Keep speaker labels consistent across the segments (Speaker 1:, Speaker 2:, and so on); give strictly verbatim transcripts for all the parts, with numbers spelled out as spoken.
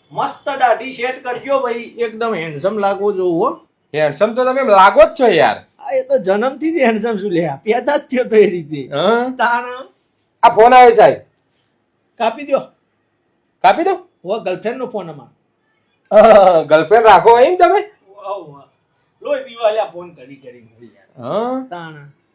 Speaker 1: મસ્ત દાઢી સેટ કરજો ભાઈ, એકદમ હેન્ડસમ લાગવો જોવું હો.
Speaker 2: હેન્ડસમ તો તમે લાગો જ છો યાર.
Speaker 1: આ એ તો જન્મથી જ હેન્ડસમ શું લે, પેદા જ થયો તો એ રીતે.
Speaker 2: હા
Speaker 1: તાણ
Speaker 2: આ ફોન આવ્યો સાહેબ,
Speaker 1: કાપી દો.
Speaker 2: કાપી દો.
Speaker 1: હો ગર્લફ્રેન્ડ નો ફોન અમાર.
Speaker 2: ગર્લફ્રેન્ડ રાખો એમ તમે?
Speaker 1: લોહી પીવા લ્યા ફોન કરી કરી યાર.
Speaker 2: હા
Speaker 1: તાણ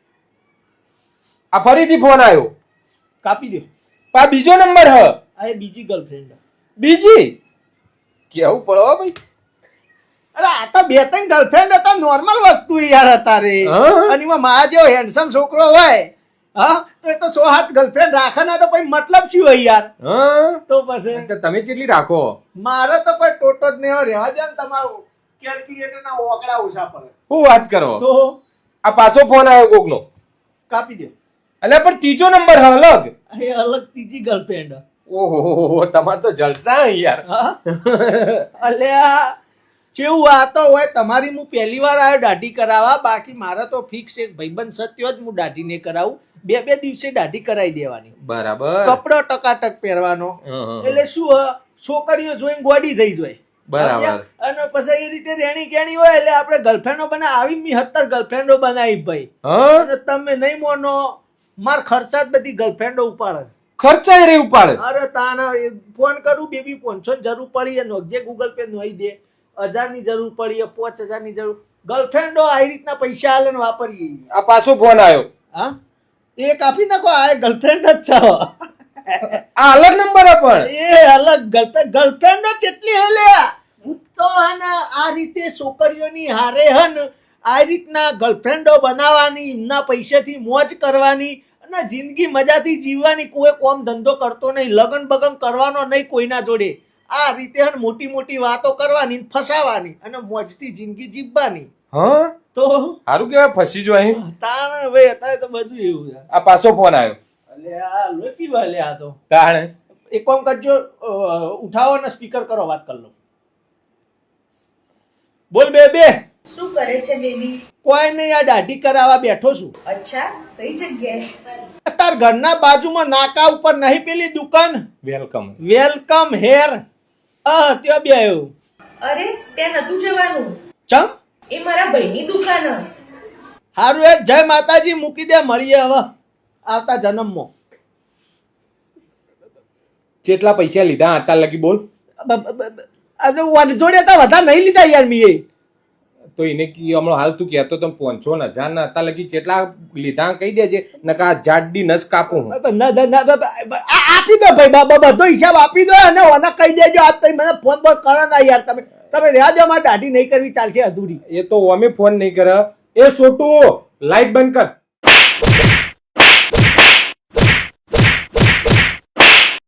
Speaker 2: આ ફરીથી ફોન આવ્યો,
Speaker 1: કાપી દો.
Speaker 2: આ બીજો નંબર હ.
Speaker 1: આ એ બીજી ગર્લફ્રેન્ડ.
Speaker 2: બીજી કેવું પડો ભાઈ.
Speaker 1: અરે આ તો બે ત્રણ ગર્લફ્રેન્ડ હતા, નોર્મલ વસ્તુ યાર હતા રે.
Speaker 2: હા?
Speaker 1: અને એમાં મારા જેવો હેન્ડસમ છોકરો હોય હા તો એ તો સો હાથ ગર્લફ્રેન્ડ રાખે ના તો પછી મતલબ શું હોય યાર.
Speaker 2: હા
Speaker 1: તો પછી
Speaker 2: તો તમે કેટલી રાખો?
Speaker 1: મારે તો કોઈ ટોટો જ નહીં હોય. રહેવા દે ને તમારું કેલ્ક્યુલેટર ના ઓકડા ઓછા પડે.
Speaker 2: શું વાત કરો?
Speaker 1: તો
Speaker 2: આ પાછો ફોન આવ્યો કોકનો.
Speaker 1: કાપી દો.
Speaker 2: એટલે પણ ત્રીજો નંબર હ અલગ.
Speaker 1: એ અલગ ત્રીજી ગર્લફ્રેન્ડ.
Speaker 2: ઓહો તમાર તો જલસા હે યાર.
Speaker 1: અલ્યા કેવું આ તો હોય તમારી. હું પહેલી વાર આવ્યો દાઢી કરાવવા, બાકી મારે તો ફિક્સ એક ભાઈબંધ સત્યો જ હું દાઢી ને કરાવું. બે બે દિવસે દાઢી કરાવી દેવાની.
Speaker 2: બરાબર.
Speaker 1: કપડો ટકાટક પહેરવાનો. એટલે શું હ, છોકરીઓ જોઈને ગોડી થઈ જાય.
Speaker 2: બરાબર.
Speaker 1: અને પછી એ રીતે રેણી કેણી હોય એટલે આપણે ગર્લફ્રેન્ડો બના આવી મી સત્તર ગર્લફ્રેન્ડો બનાવી ભાઈ. અને તમે નહીં મોનો, માર ખર્ચા જ બધી ગર્લફ્રેન્ડો ઉપાડે.
Speaker 2: ખર્ચા રે ઉપાડે.
Speaker 1: અરે તાના ફોન કરું બેબી પાંચસો જરૂર પડી નોખજે ગૂગલ પે નોઈ દે. હજાર ની જરૂર પડી, પાંચ હજાર ની જરૂર. ગર્લફ્રેન્ડો આવી રીતના પૈસા આલે ને વાપરીએ.
Speaker 2: આ પાછો ફોન આવ્યો.
Speaker 1: હા એ કાપી નાખો. આ ગર્લફ્રેન્ડ જ છે.
Speaker 2: આ અલગ નંબર પણ.
Speaker 1: એ અલગ ગર્લફ્રેન્ડ ગર્લફ્રેન્ડો કેટલી હેલ્યા. હું તો હને આ રીતે છોકરીઓની હારે હન આ રીતના ગર્લફ્રેન્ડો બનાવવાની, એમના પૈસાથી મોજ કરવાની અને જિંદગી મજાથી જીવવાની. કોઈ કોમ ધંધો કરતો નહીં, લગન બગન કરવાનો નહીં કોઈના જોડે. આ રીતે હન મોટી મોટી વાતો કરવાની, ફસાવાની અને મોજથી જિંદગી જીવવાની.
Speaker 2: હા
Speaker 1: તો
Speaker 2: સારું કેવાય ફસી જો અહીં.
Speaker 1: તાણ ભાઈ અત્યારે તો બધું એવું છે.
Speaker 2: આ પાછો ફોન આવ્યો.
Speaker 1: એટલે આ લોકી વાલે આ તો
Speaker 2: તાણે
Speaker 1: એક કામ કરજો, ઉઠાવો ને સ્પીકર કરો, વાત કરી લો. બોલ બે બે.
Speaker 3: શું કરે છે બેબી?
Speaker 1: કોઈ નહીં, આ દાઢી કરાવવા બેઠો છું.
Speaker 3: અચ્છા, કઈ જગ્યાએ?
Speaker 1: તાર ઘરના બાજુમાં નાકા ઉપર નહીં પેલી દુકાન
Speaker 2: વેલકમ
Speaker 1: વેલકમ હેર, હા ત્યાં બે આવ્યો.
Speaker 3: અરે ત્યાં નતું જવાનું,
Speaker 1: ચમ?
Speaker 3: એ મારા ભાઈની દુકાન.
Speaker 1: હારું એ જય માતાજી, મૂકી દે, મળીએ હવે આવતા જન્મમાં.
Speaker 2: કેટલા પૈસા લીધા આટલા લગી બોલ?
Speaker 1: જોડે તો વધારે નહીં લીધા યાર મીએ.
Speaker 2: તો એને હમણાં હાલ તું કહેતો તમે પાંચસો ને હજાર ના હતા લગી કેટલા લીધા કહી દેજે, નકા જાડી નસ કાપું.
Speaker 1: આપી દો ભાઈ, બાબા બધો હિસાબ આપી દો અને ઓને કહી દેજો આજ તો મને ફોન બોન કરો ના યાર. તમે તમે રહ્યા દો, મારે દાઢી નહીં કરવી ચાલશે અધૂરી.
Speaker 2: એ તો અમે ફોન નહીં કરે. એ છોટું લાઈટ બંધ કર.